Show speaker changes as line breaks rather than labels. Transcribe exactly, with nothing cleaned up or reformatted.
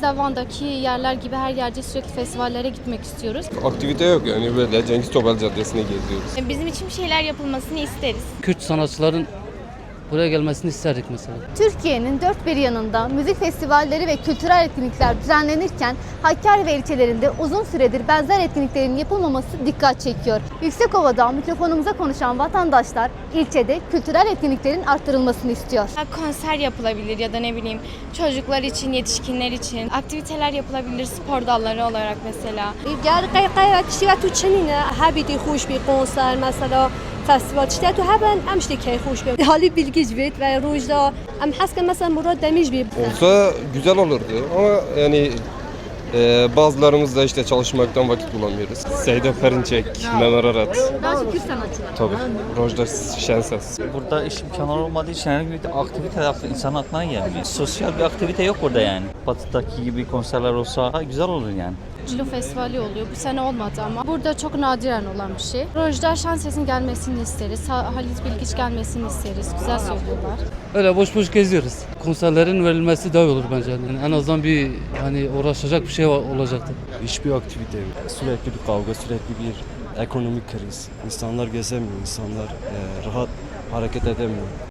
Mesela Van'daki yerler gibi her yerde sürekli festivallere gitmek istiyoruz.
Aktivite yok yani böyle Cengiz Topel Caddesi'ne geziyoruz.
Bizim için bir şeyler yapılmasını isteriz.
Kürt sanatçıların buraya gelmesini isterdik mesela.
Türkiye'nin dört bir yanında müzik festivalleri ve kültürel etkinlikler düzenlenirken Hakkari ve ilçelerinde uzun süredir benzer etkinliklerin yapılmaması dikkat çekiyor. Yüksekova'da mikrofonumuza konuşan vatandaşlar ilçede kültürel etkinliklerin arttırılmasını istiyor.
Konser yapılabilir ya da ne bileyim çocuklar için, yetişkinler için aktiviteler yapılabilir spor dalları olarak mesela.
گر قیقه تشتی و تو چنینه هبیدی خوش بی کنسر مثلا فستیوال تشتی تو هبن امشتی کی خوش بی حالی bilgiç bit ve rojda am haske mesela Murat Demiş bir
Olsa güzel olurdu ama yani e, bazılarımız da işte çalışmaktan vakit bulamıyoruz. Seyda Perinçek, Mehmet Arat.
Daha çok Kürt sanatçılar.
Tabii. Rojda Şenses.
Burada iş imkanları olmadığı için herhangi bir aktivite yaptı insan aklına gelmiyor. Sosyal bir aktivite yok burada yani. Batı'daki gibi konserler olsa güzel olur yani.
Cilo Festivali oluyor. Bu sene olmadı ama. Burada çok nadiren olan bir şey. Rojda Şenses'in gelmesini isteriz. Ha- Halit Bilgiç gelmesini isteriz. Güzel söylüyorlar.
Öyle boş boş geziyoruz. Konserlerin verilmesi daha iyi olur bence. Yani en azından bir hani uğraşacak bir şey olacaktı.
Hiçbir aktivite yok. Sürekli bir kavga, sürekli bir ekonomik kriz. İnsanlar gezemiyor, insanlar e, rahat hareket edemiyor.